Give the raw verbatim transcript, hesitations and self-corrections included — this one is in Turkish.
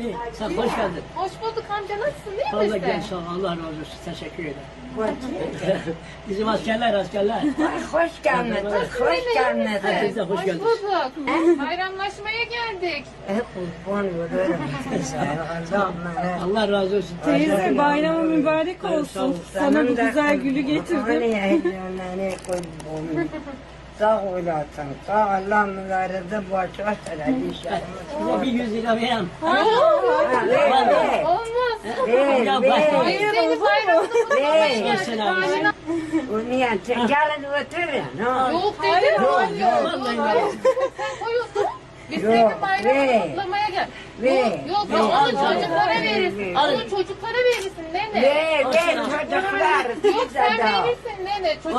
İyi, sen hoş geldin. Hoş bulduk amca, nasılsın, değil Fazla misin? gel, sağ ol. Allah razı olsun. Teşekkür ederim. Bizim askerler, askerler. Hoş gelmedin, hoş gelmedin. Herkes de hoş Hoş geldiniz. bulduk. Bayramlaşmaya geldik. Hep kurban olurum. Allah'ım. Allah razı olsun. Teyze bayramın mübarek Sağ ol. olsun. Sana bu güzel gülü getirdim. Hani kurban. Sağ olasın. Sağ Allah mübarede boş ver inşallah. Size bir yüz lira vereyim. Ver, Olmaz. ver, Ya ver, bak. Hayır, seni bayramda kutlamaya ver. geldik. Selam. Aynen. Bunu ya gelin oturun. ha. Yok dedim. Yok, Yok. vallahi Yok. yok. Sen koyuyorsun. Biz Yok, senin bayramını ver. kutlamaya gel. Ver. Yok, yok, Ver, onu al, çocuklara al. verirsin. Al. Onu çocuklara verirsin nene. Ver, ver çocuklar. Yok, sen Bize de. verirsin nene.